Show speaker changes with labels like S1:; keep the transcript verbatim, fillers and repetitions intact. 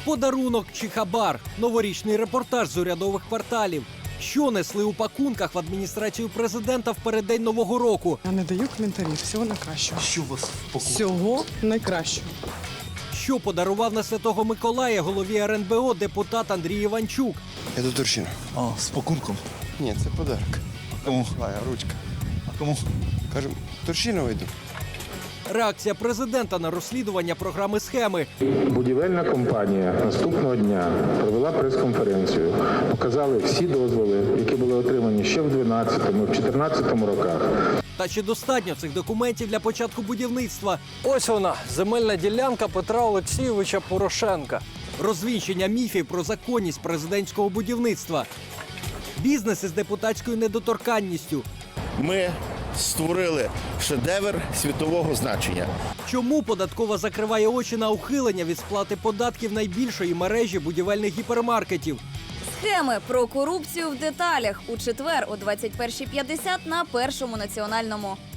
S1: Подарунок чи хабар. Новорічний репортаж з урядових кварталів. Що несли у пакунках в адміністрацію президента в переддень Нового року?
S2: Я не даю коментарів. Всього найкращого.
S3: Що у вас в пакунку?
S2: Всього найкращого.
S1: Що подарував на Святого Миколая голові ар ен бе о депутат Андрій Іванчук?
S4: Я до Турчина.
S3: А, з пакунком.
S4: Ні, це подарок.
S3: Кому?
S4: А, ручка.
S3: А кому?
S4: Кажемо, Турчинова йду.
S1: Реакція президента на розслідування програми «Схеми».
S5: Будівельна компанія наступного дня провела прес-конференцію. Показали всі дозволи, які були отримані ще в дванадцятому, чотирнадцятому роках.
S1: Та чи достатньо цих документів для початку будівництва?
S6: Ось вона, земельна ділянка Петра Олексійовича Порошенка.
S1: Розвінчення міфів про законність президентського будівництва. Бізнес із депутатською недоторканністю.
S7: Ми створили шедевр світового значення.
S1: Чому податкова закриває очі на ухилення від сплати податків найбільшої мережі будівельних гіпермаркетів?
S8: Схеми про корупцію в деталях у четвер о двадцять першій п'ятдесят на Першому національному.